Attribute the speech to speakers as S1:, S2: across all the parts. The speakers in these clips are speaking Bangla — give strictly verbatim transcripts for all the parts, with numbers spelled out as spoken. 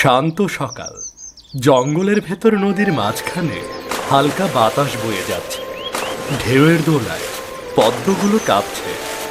S1: শান্ত সকাল, জঙ্গলের ভেতর নদীর মাঝখানে হালকা বাতাস বয়ে যাচ্ছে। ঢেউয়ের দোলায় পদ্মগুলো কাঁপছে।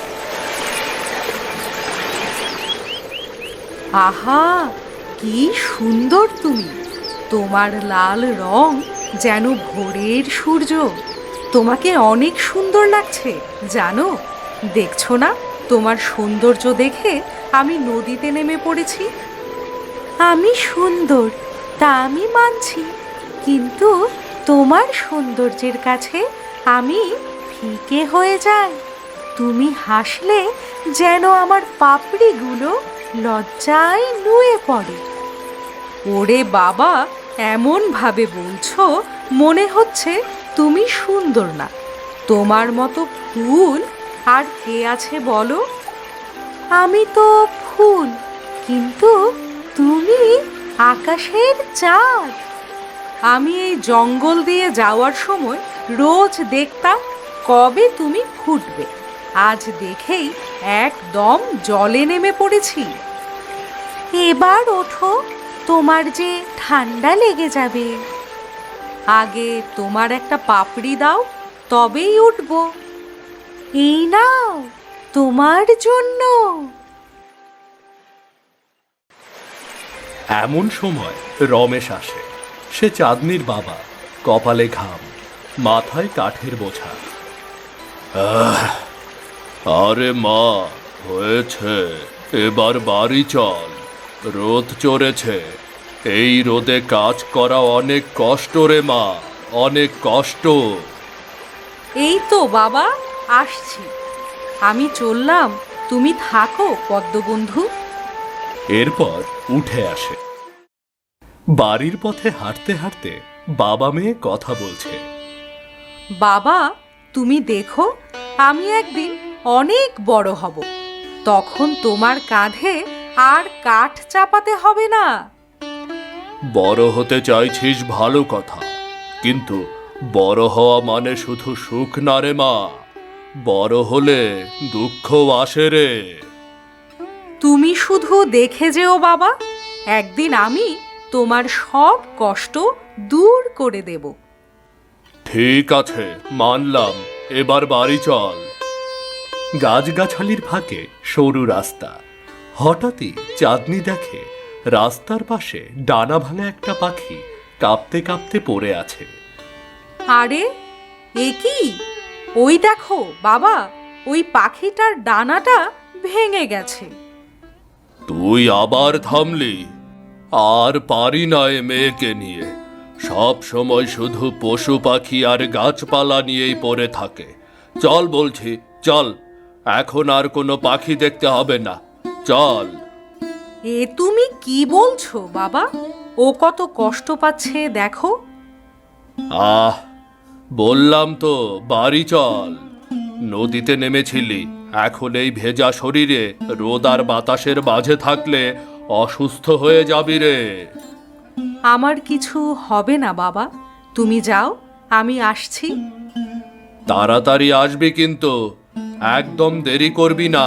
S2: আহা, কি সুন্দর তুমি! তোমার লাল রং যেন ভোরের সূর্য। তোমাকে অনেক সুন্দর লাগছে জানো। দেখছো না, তোমার সৌন্দর্য দেখে আমি নদীতে নেমে পড়েছি। আমি সুন্দর তা আমি মানছি, কিন্তু তোমার সৌন্দর্যের কাছে আমি ফিকে হয়ে যাই। তুমি হাসলে যেন আমার পাপড়িগুলো লজ্জায় নুয়ে পড়ে। ওরে বাবা, এমন ভাবে বলছো মনে হচ্ছে তুমি সুন্দর না। তোমার মতো ফুল আর কে আছে বলো? আমি তো ফুল, কিন্তু তুমি আকাশের চাঁদ। আমি এই জঙ্গল দিয়ে যাওয়ার সময় রোজ দেখতাম কবে তুমি ফুটবে। আজ দেখেই একদম জলে নেমে পড়েছি। এবার ওঠো, তোমার যে ঠান্ডা লেগে যাবে। আগে তোমার একটা পাপড়ি দাও, তবেই উঠবো। এই নাও, তোমার জন্য।
S1: এমন সময় রমেশ আসে। সে চাঁদনির বাবা, কপালে ঘাম, মাথায় কাঠের বোঝা। আহ, আরে মা, হয়েছে, এবার বাড়ি চল। রোদ চড়েছে, এই রোদে কাজ করা অনেক কষ্ট রে মা, অনেক কষ্ট।
S2: এই তো বাবা, আসছি। আমি চললাম, তুমি থাকো পদ্মবন্ধু।
S1: এরপর উঠে আসে। বাড়ির পথে হাঁটতে হাঁটতে বাবা মেয়ে কথা বলছে।
S2: বাবা, তুমি দেখো, আমি একদিন অনেক বড় হব। তখন তোমার কাঁধে আর কাঠ চাপাতে হবে না।
S1: বড় হতে চাইছিস ভালো কথা, কিন্তু বড় হওয়া মানে শুধু সুখ না রে মা। বড় হলে দুঃখ আসে রে।
S2: তুমি শুধু দেখে যেও বাবা, একদিন আমি তোমার সব কষ্ট দূর করে দেব।
S1: ঠিক আছে, মানলাম, এবার বাড়ি চল। গাছগাছালির ফাঁকে সরু রাস্তা। হঠাৎই চাঁদনি দেখে রাস্তার পাশে ডানা ভাঙা একটা পাখি কাঁপতে কাঁপতে পড়ে আছে।
S2: আরে, এ কি? ওই দেখো বাবা, ওই পাখিটার ডানাটা ভেঙে গেছে।
S1: তুই আবার থামলি? আর পারি না এ মেয়েকে নিয়ে। সব সময় শুধু পশু পাখি আর গাছপালা নিয়েই পড়ে থাকে। চল বলছি, চল, এখন আর কোনো পাখি দেখতে হবে না, চল।
S2: এ তুমি কি বলছো বাবা? ও কত কষ্ট পাচ্ছে দেখো।
S1: আহ, বললাম তো বাড়ি চল। নদীতে নেমেছিলি, এখন এই ভেজা শরীরে রোদ আর বাতাসের মাঝে থাকলে অসুস্থ হয়ে যাবি রে।
S2: আমার কিছু হবে না বাবা, তুমি যাও, আমি আসছি।
S1: তাড়াতাড়ি আসবি কিন্তু, একদম দেরি করবি না।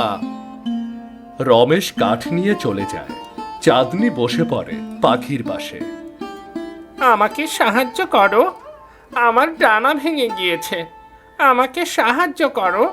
S1: রমেশ কাঠ নিয়ে চলে যায়। চাঁদনি বসে পড়ে পাখির পাশে।
S3: আমাকে সাহায্য করো, আমার ডানা ভেঙে গিয়েছে, আমাকে সাহায্য করো।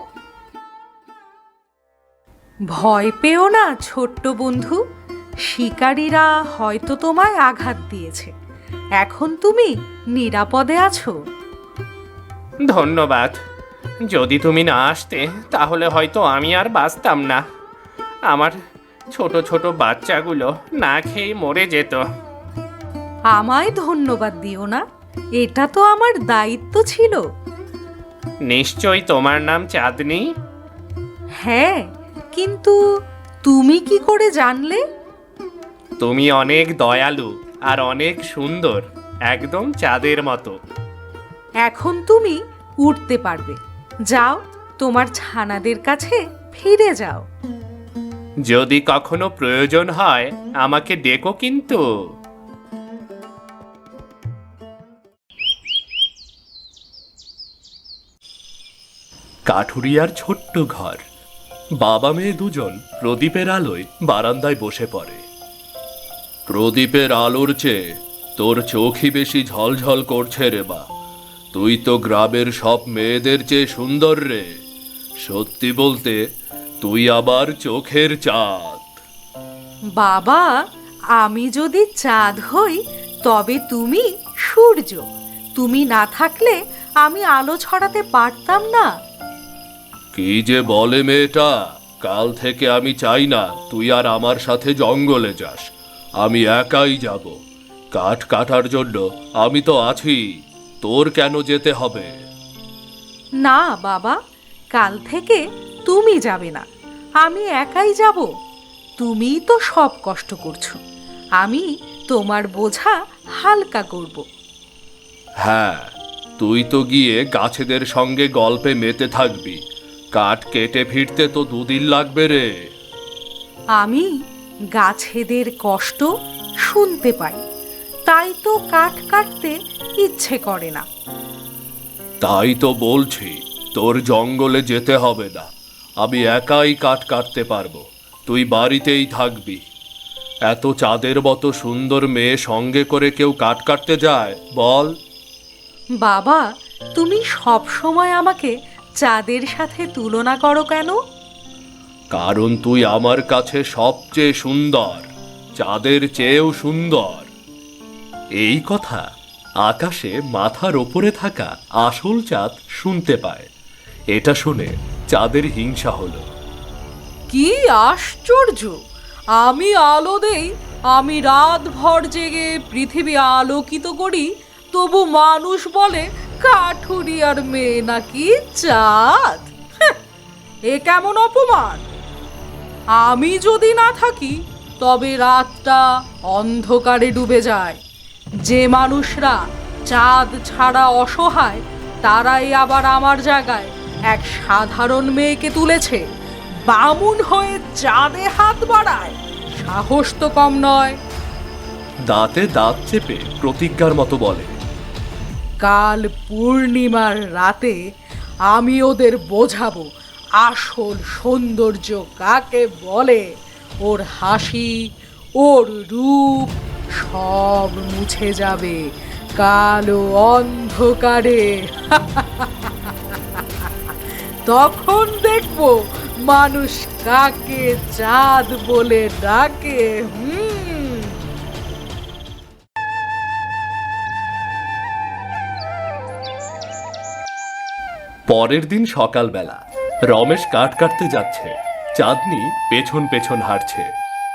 S2: ভয় পেও না ছোট্ট বন্ধু, শিকারীরা হয়তো তোমায় আঘাত দিয়েছে, এখন তুমি নিরাপদে আছো।
S3: ধন্যবাদ, যদি তুমি না আসতে তাহলে হয়তো আমি আর বাঁচতাম না। আমার ছোট ছোট বাচ্চাগুলো না খেয়ে মরে যেত।
S2: আমায় ধন্যবাদ দিও না, এটা তো আমার দায়িত্ব ছিল।
S3: নিশ্চয়ই তোমার নাম চাঁদনি?
S2: হ্যাঁ, কিন্তু তুমি কি করে জানলে?
S3: তুমি অনেক দয়ালু আর অনেক সুন্দর, একদম চাঁদের মতো।
S2: এখন তুমি উঠতে পারবে, যাও, তোমার ছানাদের কাছে ফিরে যাও।
S3: যদি কখনো প্রয়োজন হয় আমাকে ডেকো কিন্তু।
S1: কাঠুরিয়ার ছোট্ট ঘর। বাবা মেয়ে দুজন প্রদীপের আলোয় বারান্দায় বসে পড়ে। প্রদীপের আলোর চেয়ে তোর চোখই বেশি ঝলঝল করছে রে বা। তুই তো গ্রামের সব মেয়েদের চেয়ে সুন্দর রে। সত্যি বলতে তুই আবার চোখের চাঁদ।
S2: বাবা, আমি যদি চাঁদ হই তবে তুমি সূর্য। তুমি না থাকলে আমি আলো ছড়াতে পারতাম না।
S1: কি যে বলে মেয়েটা! কাল থেকে আমি চাই না তুই আর আমার সাথে জঙ্গলে যাস। আমি একাই যাব। কাঠ কাটার জন্য আমি তো আছি, তোর কেন যেতে হবে?
S2: না বাবা, কাল থেকে তুমি যাবে না, আমি একাই যাব। তুমিই তো সব কষ্ট করছো, আমি তোমার বোঝা হালকা করব।
S1: হ্যাঁ, তুই তো গিয়ে গাছেদের সঙ্গে গল্পে মেতে থাকবি। কাঠ কেটে ফিরতে তো দুদিন লাগবে রে।
S2: আমি গাছেদের কষ্ট শুনতে পাই, তাই তো কাঠ কাটতে ইচ্ছে করে না।
S1: তাই তো বলছি, তোর জঙ্গলে যেতে হবে না। আমি একাই কাঠ কাটতে পারবো, তুই বাড়িতেই থাকবি। এত চাঁদের মতো সুন্দর মেয়ে সঙ্গে করে কেউ কাঠ কাটতে যায় বল?
S2: বাবা, তুমি সব সময় আমাকে চাঁদের সাথে তুলনা করো কেন?
S1: কারণ তুই আমার কাছে সবচেয়ে সুন্দর, চাঁদের চেয়েও সুন্দর। এই কথা আকাশে মাথার ওপরে থাকা আসল চাঁদ শুনতে পায়। এটা শুনে চাঁদের হিংসা হলো।
S2: কি আশ্চর্য! আমি আলো দেই, আমি রাত ভর জেগে পৃথিবী আলোকিত করি, তবু মানুষ বলে কাঠুরিয়ার মেয়ে নাকি চাঁদ। হ্যাঁ, এ কেমন অপমান! আমি যদি না থাকি তবে রাতটা অন্ধকারে ডুবে যায়। যে মানুষরা চাঁদ ছাড়া অসহায়, তারাই আবার আমার জায়গায় এক সাধারণ মেয়েকে তুলেছে। বামুন হয়ে চাঁদে হাত বাড়ায়, সাহস তো কম নয়।
S1: দাঁতে দাঁত চেপে প্রতিজ্ঞার মতো বলে,
S2: কাল পূর্ণিমার রাতে আমি ওদের বোঝাবো আসল সৌন্দর্য কাকে বলে। ওর হাসি, ওর রূপ সব মুছে যাবে কালো অন্ধকারে। তখন দেখবো মানুষ কাকে চাঁদ বলে ডাকে। হুম।
S1: পরের দিন সকালবেলা রমেশ কাঠ কাটতে যাচ্ছে, চাঁদনি পেছন পেছন হাঁটছে।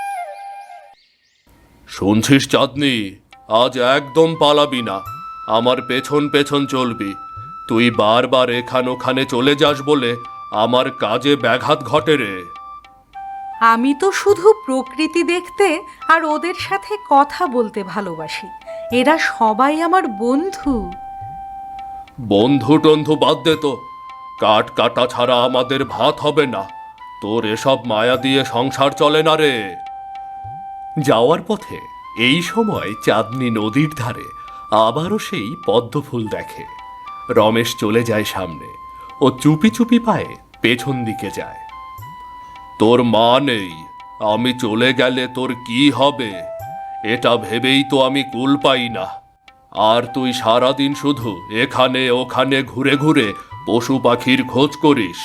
S1: শুনছিস চাঁদনি, আজ একদম পালাবি না, আমার পেছন পেছন চলবি। তুই বারবার এখান ওখানে চলে যাস বলে আমার কাজে ব্যাঘাত ঘটে রে।
S2: আমি তো শুধু প্রকৃতি দেখতে আর ওদের সাথে কথা বলতে ভালোবাসি। এরা সবাই আমার বন্ধু।
S1: বন্ধু টন্ধু বাদ দে তো, কাঠ কাটা ছাড়া আমাদের ভাত হবে না। তোর এসব মায়া দিয়ে সংসার চলে না রে। যাওয়ার পথে এই সময় চাঁদনি নদীর ধারে আবারও সেই পদ্ম ফুল দেখে। রমেশ চলে যায় সামনে, ও চুপি চুপি পায়ে পেছন দিকে যায়। তোর মা নেই, আমি চলে গেলে তোর কি হবে, এটা ভেবেই তো আমি কুল পাই না। আর তুই সারাদিন শুধু এখানে ওখানে ঘুরে ঘুরে পশু পাখির খোঁজ করিস।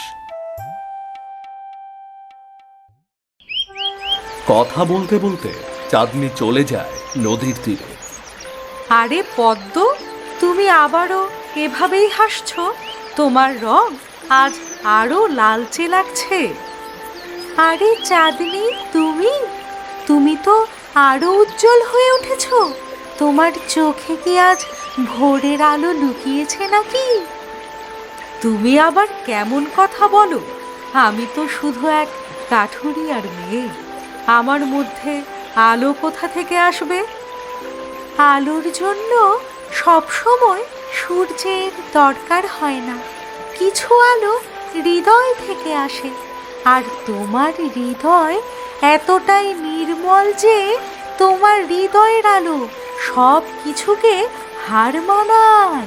S1: কথা বলতে বলতে চাঁদনি চলে যায় নদীর তীরে।
S2: আরে পদ্ম, তুমি আবারও এভাবেই হাসছো? তোমার রং আজ আরো লালচে লাগছে। আরে চাঁদনি, তুমি তুমি তো আরো উজ্জ্বল হয়ে উঠেছো। তোমার চোখে কি আজ ভোরের আলো লুকিয়েছে নাকি? তুমি আবার কেমন কথা বলো? আমি তো শুধু এক কাঠুরিয়ার মেয়ে, আমার মধ্যে আলো কোথা থেকে আসবে? আলোর জন্য সব সময় সূর্যের দরকার হয় না, কিছু আলো হৃদয় থেকে আসে। আর তোমার হৃদয় এতটাই নির্মল যে তোমার হৃদয়ের আলো সব কিছুকে হার মানায়।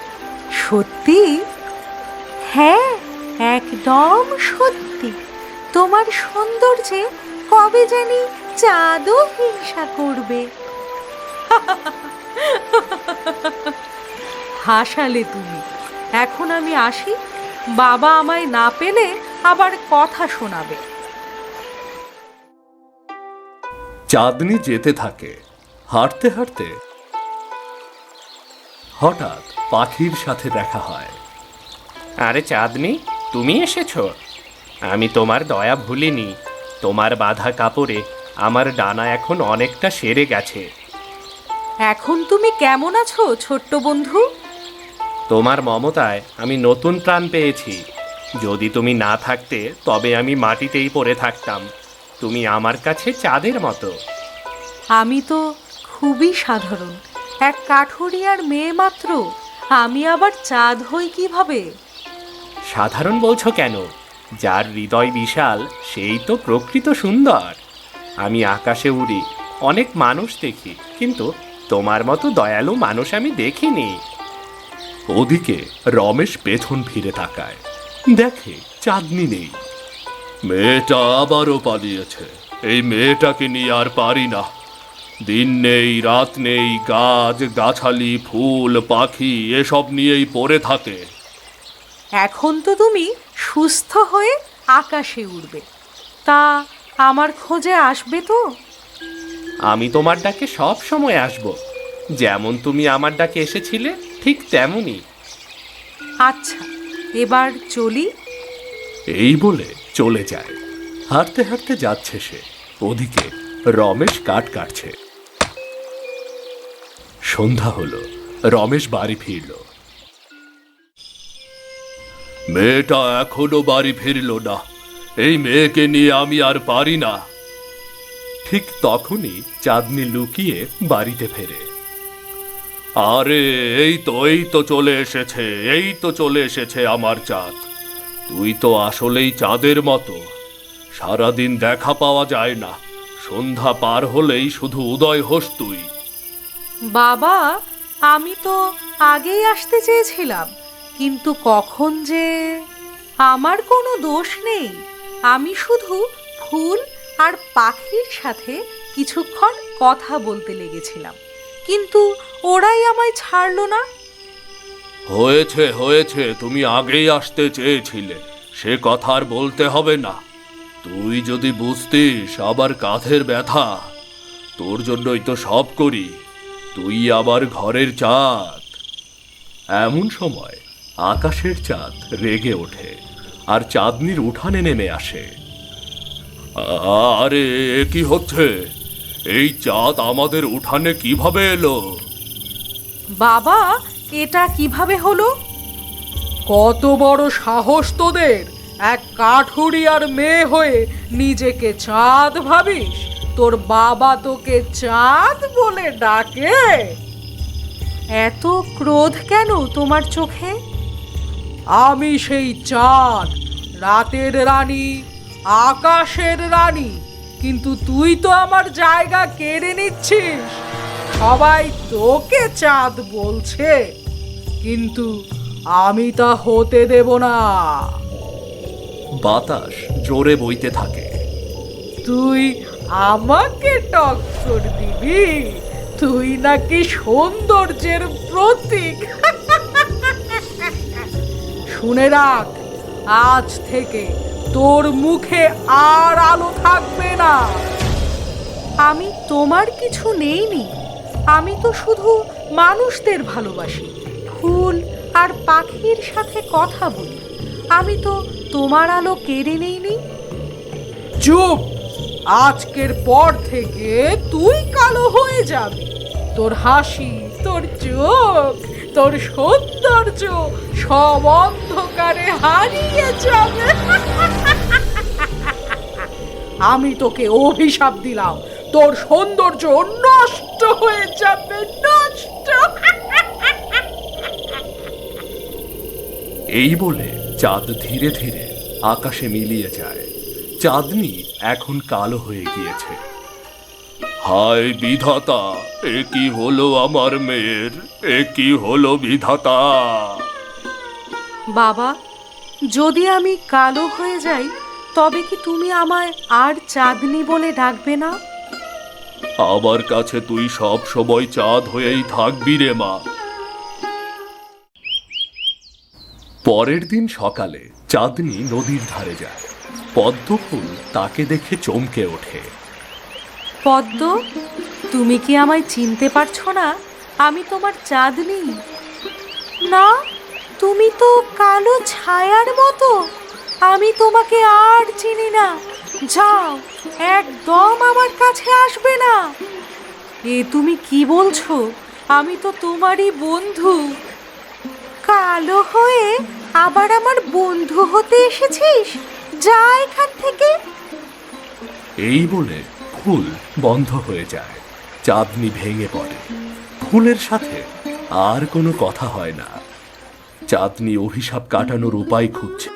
S2: সত্যি? হ্যাঁ, একদম সত্যি। তোমার সৌন্দর্যে কবে জানি চাঁদও হিংসা করবে। হাসালে তুমি। এখন আমি আসি, বাবা আমায় না পেলে আবার কথা শোনাবে।
S1: চাঁদনি যেতে থাকে। হাঁটতে হাঁটতে হঠাৎ পাখির সাথে দেখা হয়।
S3: আরে চাঁদনি, তুমি এসেছো? আমি তোমার দয়া ভুলিনি। তোমার বাঁধা কাপড়ে আমার ডানা এখন অনেকটা সেরে গেছে।
S2: এখন তুমি কেমন আছো ছোট্ট বন্ধু?
S3: তোমার মমতায় আমি নতুন প্রাণ পেয়েছি। যদি তুমি না থাকতে তবে আমি মাটিতেই পড়ে থাকতাম। তুমি আমার কাছে চাঁদের মতো।
S2: আমি তো খুবই সাধারণ, এক কাঠুরিয়ার মেয়ে মাত্র। আমি আবার চাঁদ হই কিভাবে?
S3: সাধারণ বলছো কেন? যার হৃদয় বিশাল সেই তো প্রকৃত সুন্দর। আমি আকাশে উড়ি, অনেক মানুষ দেখি, কিন্তু তোমার মতো দয়ালু মানুষ আমি দেখিনি।
S1: ওদিকে রমেশ পেছন ফিরে তাকায়, দেখে চাঁদনি নেই। মেয়েটা আবারও পালিয়েছে। এই মেয়েটাকে নিয়ে আর পারি না। দিন নেই রাত নেই, গাছ গাছালি ফুল পাখি এসব নিয়েই পড়ে থাকে।
S2: এখন তো তুমি সুস্থ হয়ে আকাশে উড়বে, তা আমার খোঁজে আসবে তো?
S3: আমি তোমার ডাকে সব সময় আসব। যেমন তুমি আমার ডাকে এসেছিলে ঠিক তেমনই।
S2: আচ্ছা, এবার চলি।
S1: এই বলে চলে যায়। হাঁটতে হাঁটতে যাচ্ছে সে। ওদিকে রমেশ কাঠ কাটছে। সন্ধ্যা হলো। রমেশ বাড়ি ফিরল। মেয়েটা এখনো বাড়ি ফিরল না। এই মেয়েকে নিয়ে আমি আর পারি না। ঠিক তখনই চাঁদনি লুকিয়ে বাড়িতে ফেরে। আরে এই তো এই তো চলে এসেছে, এই তো চলে এসেছে আমার চাঁদ। তুই তো আসলেই চাঁদের মতো। সারাদিন দেখা পাওয়া যায় না, সন্ধ্যা পার হলেই শুধু উদয় হোস তুই।
S2: বাবা, আমি তো আগেই আসতে চেয়েছিলাম, কিন্তু কখন যে। আমার কোনো দোষ নেই। আমি শুধু ফুল আর পাখির সাথে কিছুক্ষণ কথা বলতে লেগেছিলাম, কিন্তু ওরাই আমায় ছাড়লো না।
S1: হয়েছে হয়েছে, তুমি আগেই আসতে চেয়েছিলে, সে কথা আর বলতে হবে না। তুই যদি বুঝতিস আবার কাঁধের ব্যথা। তোর জন্যই তো সব করি। তুই আবার ঘরের চাঁদ। এমন সময় আকাশের চাঁদ রেগে ওঠে আর চাঁদনির উঠানে নেমে আসে। আরে এ কি হচ্ছে? এই চাঁদ আমাদের উঠানে কিভাবে এলো?
S2: বাবা, এটা কিভাবে হলো? কত বড় সাহস তোদের! এক কাঠুরিয়ার মেয়ে হয়ে নিজেকে চাঁদ ভাবিস? তোর বাবা তোকে চাঁদ বলে ডাকে? এত ক্রোধ কেন তোমার চোখে? আমি সেই চাঁদ, রাতের রানী, আকাশের রানী, কিন্তু তুই তো আমার জায়গা কেড়ে নিচ্ছিস। সবাই তোকে চাঁদ বলছে, কিন্তু আমি তা হতে দেব না।
S1: বাতাস জোরে বইতে থাকে।
S2: তুই আমাকে টক্কর দিবি? তুই নাকি সৌন্দর্যের প্রতীক। শুনে রাখ, আজ থেকে তোর মুখে আর আলো থাকবে না। আমি তোমার কিছু নেইনি। আমি তো শুধু মানুষদের ভালোবাসি, ফুল আর পাখির সাথে কথা বলি। আমি তো তোমার আলো কেড়ে নেইনি। চুপ! আজকের পর থেকে তুই কালো হয়ে যাবি। তোর হাসি, তোর চোখ, তোর সৌন্দর্য সব অন্ধকারে হারিয়ে যাবে। আমি তোকে অভিশাপ দিলাম, তোর সৌন্দর্য নষ্ট হয়ে যাবে, নষ্ট।
S1: এই বলে চাঁদ ধীরে ধীরে আকাশে মিলিয়ে যায়। চাঁদনি এখন কালো হয়ে গিয়েছে। হায় বিধাতা, এ কি হলো আমার মেয়ের? এ কি হলো বিধাতা?
S2: বাবা, যদি আমি কালো হয়ে যাই তবে কি তুমি আমায় আর চাঁদনি বলে ডাকবে না?
S1: আমার কাছে তুই সব সময় চাঁদ হয়েই থাকবি রে মা। পরের দিন সকালে চাঁদনি নদীর ধারে যায়। পদ্মফুল তাকে দেখে চমকে ওঠে।
S2: পদ্ম, তুমি কি আমায় চিনতে পারছো না? আমি তোমার চাঁদনি। না, তুমি তো কালো ছায়ার মতো। আমি তোমাকে আর চিনি না। যাও, একদম আমার কাছে আসবে না। এ তুমি কি বলছো? আমি তো তোমারই বন্ধু। কালো হয়ে আবার আমার বন্ধু হতে এসেছিস? যা এখান থেকে।
S1: এই বলে ফুল বন্ধ হয়ে যায়। চাঁদনি ভেঙে পড়ে। ফুলের সাথে আর কোনো কথা হয় না। চাঁদনি অভিশাপ কাটানোর উপায় খুঁজছে।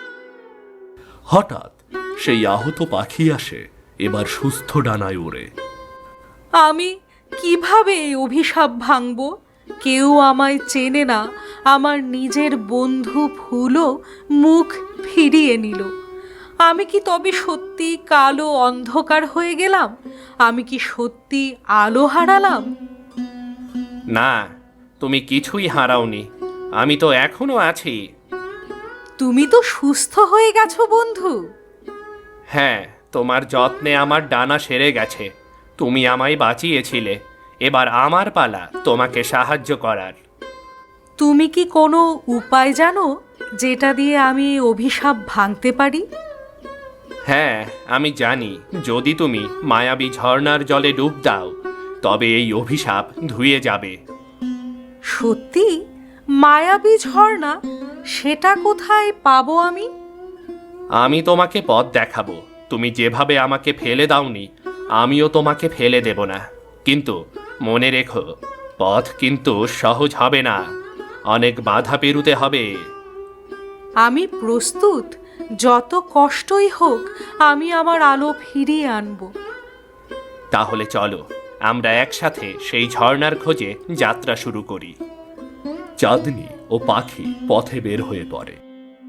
S1: হঠাৎ সেই আহত পাখি আসে, এবার সুস্থ ডানায় ওড়ে।
S2: আমি কিভাবে এই অভিশাপ ভাঙব? কেউ আমায় চেনে না। আমার নিজের বন্ধু ফুলও মুখ ফিরিয়ে নিল। আমি কি তবে সত্যি কালো অন্ধকার হয়ে গেলাম? আমি কি সত্যি আলো হারালাম?
S3: না, তুমি কিছুই হারাওনি। আমি তো এখনো আছি।
S2: তুমি তো সুস্থ হয়ে গেছো বন্ধু।
S3: হ্যাঁ, তোমার যত্নে আমার ডানা সেরে গেছে। তুমি আমায় বাঁচিয়েছিলে। এবার আমার পালা তোমাকে সাহায্য করার।
S2: তুমি কি কোনো উপায় জানো যেটা দিয়ে আমি এই অভিশাপ ভাঙতে পারি?
S3: হ্যাঁ, আমি জানি। যদি তুমি মায়াবী ঝর্ণার জলে ডুব দাও, তবে এই অভিশাপ ধুয়ে যাবে।
S2: সত্যি? মায়াবী ঝর্ণা? সেটা কোথায় পাবো আমি?
S3: আমি তোমাকে পথ দেখাবো। তুমি যেভাবে আমাকে ফেলে দাওনি, আমিও তোমাকে ফেলে দেব না। কিন্তু মনে রেখো, পথ কিন্তু সহজ হবে না। অনেক বাধা পেরুতে হবে।
S2: আমি প্রস্তুত। যত কষ্টই হোক, আমি আমার আলো ফিরিয়ে আনবো।
S3: তাহলে চলো, আমরা একসাথে সেই ঝর্ণার খোঁজে যাত্রা শুরু করি।
S1: চাঁদনি ও পাখি পথে বের হয়ে পড়ে।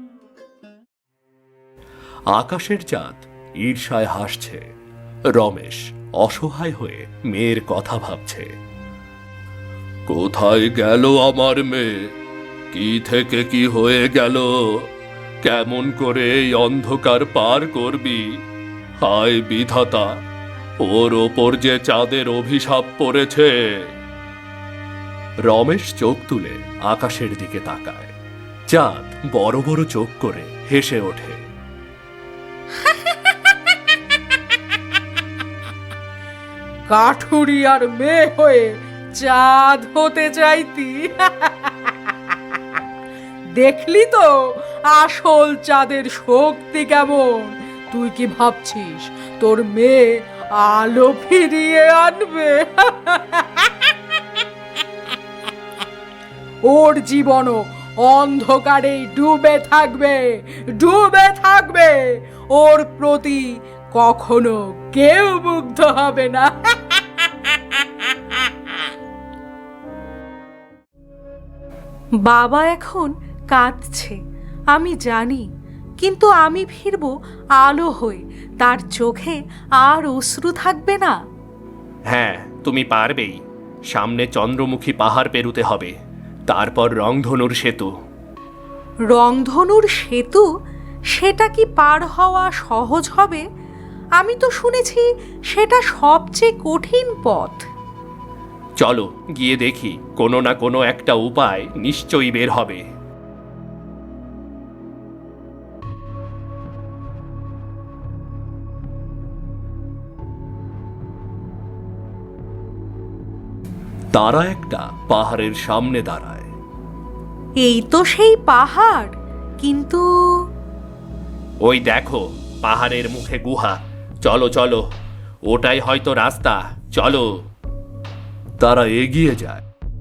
S1: আকাশের চাঁদ ঈর্ষায় হাসছে। রমেশ অসহায় হয়ে মেয়ের কথা ভাবছে। কোথায় গেল আমার মেয়ে? কি থেকে কি হয়ে গেল? কেমন করে এই অন্ধকার পার করবি? হায় বিধাতা, ওর ওপর যে চাঁদের অভিশাপ পড়েছে। রমেশ চোখ তুলে আকাশের দিকে তাকায়। চাঁদ বড় বড় চোখ করে হেসে ওঠে।
S2: কাঠুরিয়ার মেয়ে হয়ে চাঁদ হতে চাইতি? দেখলি তো আসল চাঁদের শক্তি কেমন? তুই কি ভাবছিস তোর মেয়ে আলো ফিরিয়ে আনবে? ওর জীবনও অন্ধকারেই ডুবে থাকবে, ডুবে থাকবে। ওর প্রতি কখনো কেউ মুগ্ধ হবে না। বাবা এখন কাঁদছে, আমি জানি। কিন্তু আমি ফিরব আলো হয়ে। তার চোখে আর অশ্রু থাকবে না।
S3: হ্যাঁ, তুমি পারবেই। সামনে চন্দ্রমুখী পাহাড় পেরুতে হবে, তারপর রংধনুর সেতু।
S2: রংধনুর সেতু? সেটা কি পার হওয়া সহজ হবে? আমি তো শুনেছি সেটা সবচেয়ে কঠিন পথ।
S3: চলো গিয়ে দেখি, কোনো না কোনো একটা উপায় নিশ্চয়ই বের হবে।
S1: তারা একটা পাহাড়ের সামনে দাঁড়ায়।
S2: এই তো সেই পাহাড়, কিন্তু
S3: ওই দেখো, পাহাড়ের মুখে গুহা। চলো চলো, ওটাই হয়তো রাস্তা। চলো।
S1: তারা এগিয়ে যায়,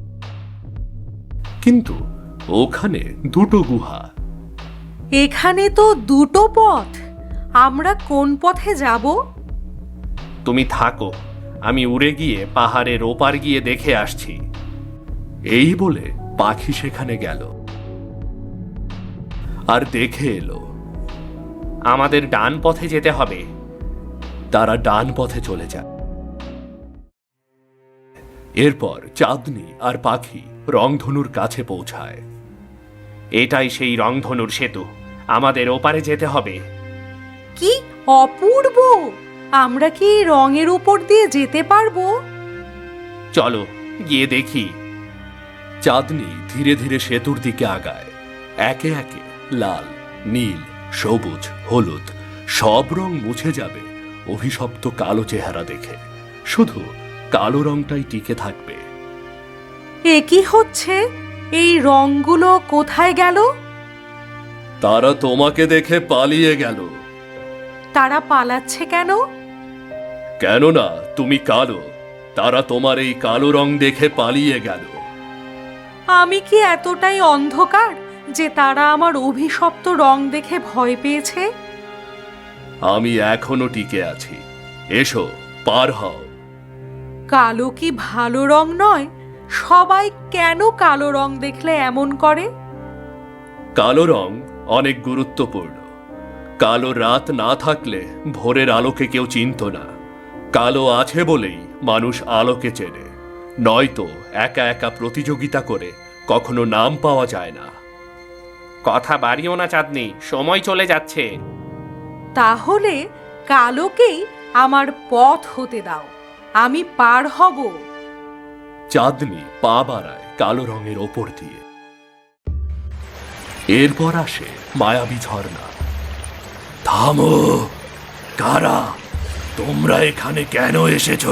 S1: কিন্তু ওখানে দুটো গুহা।
S2: এখানে তো দুটো পথ। আমরা কোন পথে যাব?
S3: তুমি থাকো, আমি উড়ে গিয়ে পাহাড়ের ওপার গিয়ে দেখে আসছি।
S1: এই বলে পাখি সেখানে গেল আর দেখে এলো।
S3: আমাদের ডান পথে যেতে হবে।
S1: তারা ডান পথে চলে যায়। এরপর চাঁদনি আর পাখি রংধনুর কাছে পৌঁছায়।
S3: এটাই সেই রংধনুর সেতু, আমাদের ওপারে যেতে হবে।
S2: কি অপূর্ব! আমরা কি এই রঙের উপর দিয়ে যেতে পারবো?
S3: চলো গিয়ে দেখি।
S1: চাঁদনি ধীরে ধীরে সেতুর দিকে আগায়। একে একে লাল, নীল, সবুজ, হলুদ সব রং মুছে যাবে অভিশপ্ত কালো চেহারা দেখে। শুধু কালো রংটাই টিকে থাকবে।
S2: এ কি হচ্ছে? এই রংগুলো কোথায় গেল?
S1: তারা তোমাকে দেখে পালিয়ে গেল।
S2: তারা পালাচ্ছে কেন?
S1: কেননা তুমি কালো, তারা তোমার এই কালো রং দেখে পালিয়ে গেল।
S2: আমি কি এতটাই অন্ধকার যে তারা আমার অভিশপ্ত রং দেখে ভয় পেয়েছে?
S1: আমি এখনো টিকে আছি, এসো পার হও।
S2: কালো কি ভালো রং নয়? সবাই কেন কালো রং দেখলে এমন করে?
S1: কালো রং অনেক গুরুত্বপূর্ণ। কালো রাত না থাকলে ভোরের আলোকে কেউ চিনত না। কালো আছে বলেই মানুষ আলোকে চেনে, নয়তো একা একা প্রতিযোগিতা করে কখনো নাম পাওয়া যায় না।
S3: কথা বাড়িও না চাঁদনি, সময় চলে যাচ্ছে।
S2: তাহলে কালোকেই আমার পথ হতে দাও, আমি পার হব।
S1: চাঁদনি পা বাড়ায় কালো রঙের ওপর দিয়ে। এরপর আসে মায়াবী ঝর্ণা। থামো! কারা তোমরা এখানে কেন এসেছো?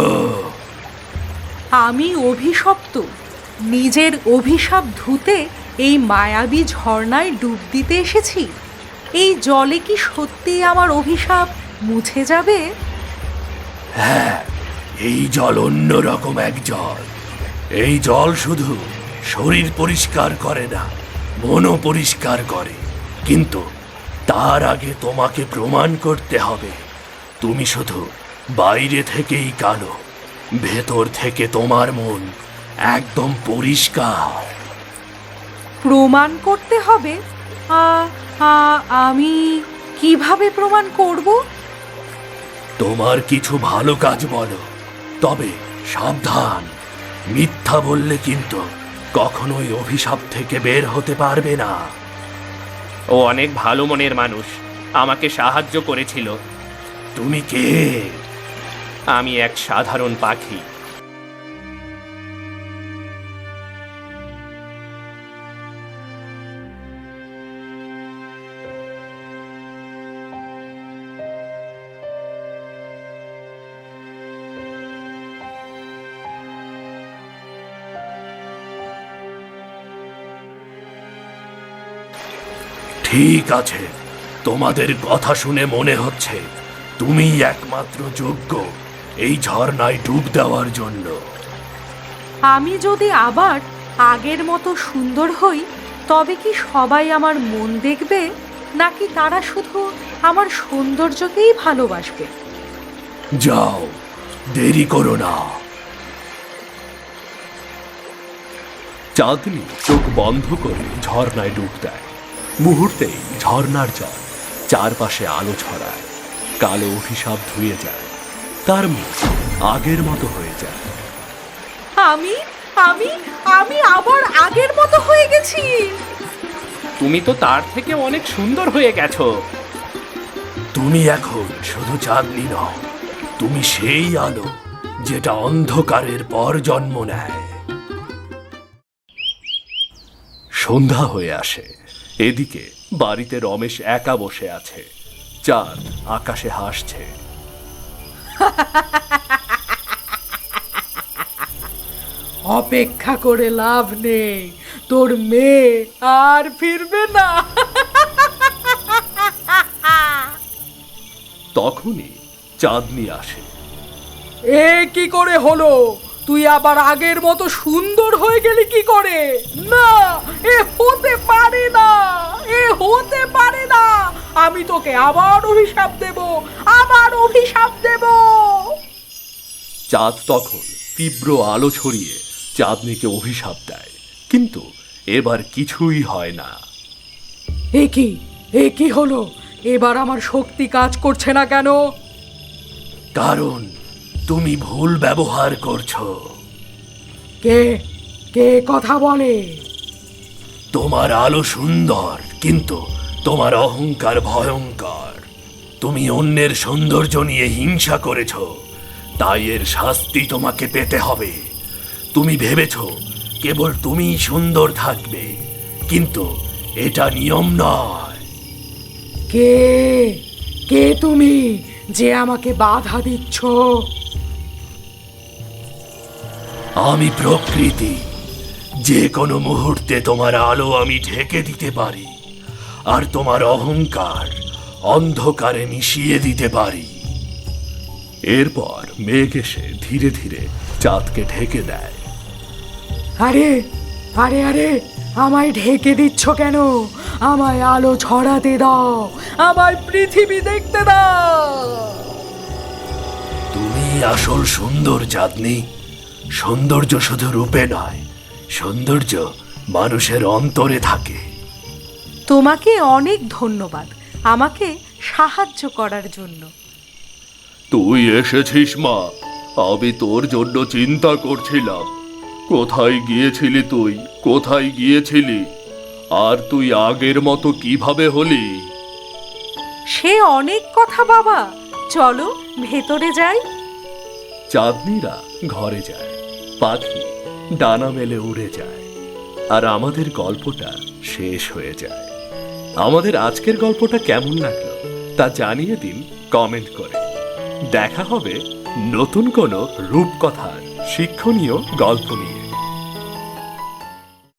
S2: আমি অভিশপ্ত, নিজের অভিশাপ ধুতে এই মায়াবী ঝর্ণায় ডুব দিতে এসেছি। এই জলে কি সত্যি আমার অভিশাপ মুছে যাবে?
S1: হ্যাঁ, এই জল অন্য রকম এক জল। এই জল শুধু শরীর পরিষ্কার করে না, মনও পরিষ্কার করে। কিন্তু তার আগে তোমাকে প্রমাণ করতে হবে তুমি শুধু বাইরে থেকেই কালো, ভেতর থেকে তোমার মন একদম পরিষ্কার।
S2: প্রমাণ করতে হবে? আ, আ, আমি কিভাবে প্রমাণ করব?
S1: তোমার কিছু ভালো কাজ বলো, তবে সাবধান, মিথ্যা বললে কিন্তু কখনোই অভিশাপ থেকে বের হতে পারবে না।
S3: ও অনেক ভালো মনের মানুষ, আমাকে সাহায্য করেছিল।
S1: তুমি কে?
S3: আমি এক সাধারণ পাখি।
S1: ঠিক আছে, তোমাদের কথা শুনে মনে হচ্ছে তুমি একমাত্র যোগ্য এই ঝর্ণায় ডুব দেওয়ার জন্য।
S2: আমি যদি আবার আগের মতো সুন্দর হই, তবে কি সবাই আমার মন দেখবে, নাকি তারা শুধু আমার সৌন্দর্যকেই ভালোবাসবে?
S1: যাও, দেরি করো না। চাঁদনি চোখ বন্ধ করে ঝর্ণায় ডুব দেয়। মুহূর্তেই ঝর্ণার জল চারপাশে আলো ছড়ায়। কালো অভিশাপ ধুয়ে যায়, তার মুখ আগের মতো হয়ে যায়।
S2: আমি আমি আমি আবার আগের মতো হয়ে গেছি।
S3: তুমি তো তার থেকে অনেক সুন্দর হয়ে গেছো।
S1: তুমি এখন শুধু চাঁদনি নও, তুমি সেই আলো যেটা অন্ধকারের পর জন্ম নেয়। সন্ধ্যা হয়ে আসে। এদিকে বাড়িতে রমেশ একা বসে আছে। চাঁদ আকাশে হাসছে।
S2: অপেক্ষা করে লাভ নেই, তোর মেয়ে আর ফিরবে না।
S1: তখনই চাঁদনি আসে।
S2: এ কি করে হলো? তুই আবার আগের মতো সুন্দর হয়ে গেলি কি করে? না, এ হতে পারে না, এ হতে পারে না। আমি তোকে আবার অভিশাপ দেব, আবার অভিশাপ দেব।
S1: চাঁদ তখন তীব্র আলো ছড়িয়ে চাঁদনিকে অভিশাপ দেয়, কিন্তু এবার কিছুই হয় না।
S2: এ কি এ কি হলো? এবার আমার শক্তি কাজ করছে না কেন?
S1: কারণ তুমি ভুল ব্যবহার করছো।
S2: কে কে কথা বলে?
S1: তোমার আলো সুন্দর, কিন্তু তোমার অহংকার ভয়ঙ্কর। তুমি অন্যের সৌন্দর্য নিয়ে হিংসা করেছ, তাই এর শাস্তি তোমাকে পেতে হবে। তুমি ভেবেছ কেবল তুমিই সুন্দর থাকবে, কিন্তু এটা নিয়ম নয়।
S2: কে কে তুমি যে আমাকে বাধা দিচ্ছ?
S1: আমি প্রকৃতি, যে কোনো মুহূর্তে তোমার আলো আমি ঢেকে দিতে পারি, আর তোমার অহংকার অন্ধকারে মিশিয়ে দিতে পারি। এরপর মেঘ এসে ধীরে ধীরে চাঁদকে ঢেকে দেয়।
S2: আরে আরে আরে আমায় ঢেকে দিচ্ছ কেন? আমায় আলো ছড়াতে দাও, আমায় পৃথিবী দেখতে দাও।
S1: তুমি আসল সুন্দর চাঁদনি। সৌন্দর্য শুধু রূপে নয়, সৌন্দর্য মানুষের অন্তরে থাকে।
S2: তোমাকে অনেক ধন্যবাদ আমাকে সাহায্য করার জন্য।
S1: তুই এসেছিস মা, আমি তোর জন্য চিন্তা করছিলাম। কোথায় গিয়েছিলি তুই, কোথায় গিয়েছিলি? আর তুই আগের মতো কিভাবে হলি?
S2: সে অনেক কথা বাবা, চলো ভেতরে যাই।
S1: চাঁদনিরা ঘরে যায়, পাখি ডানা মেলে উড়ে যায়, আর আমাদের গল্পটা শেষ হয়ে যায়। আমাদের আজকের গল্পটা কেমন লাগলো তা জানিয়ে দিন কমেন্ট করে। দেখা হবে নতুন কোনো রূপকথার শিক্ষণীয় গল্প নিয়ে।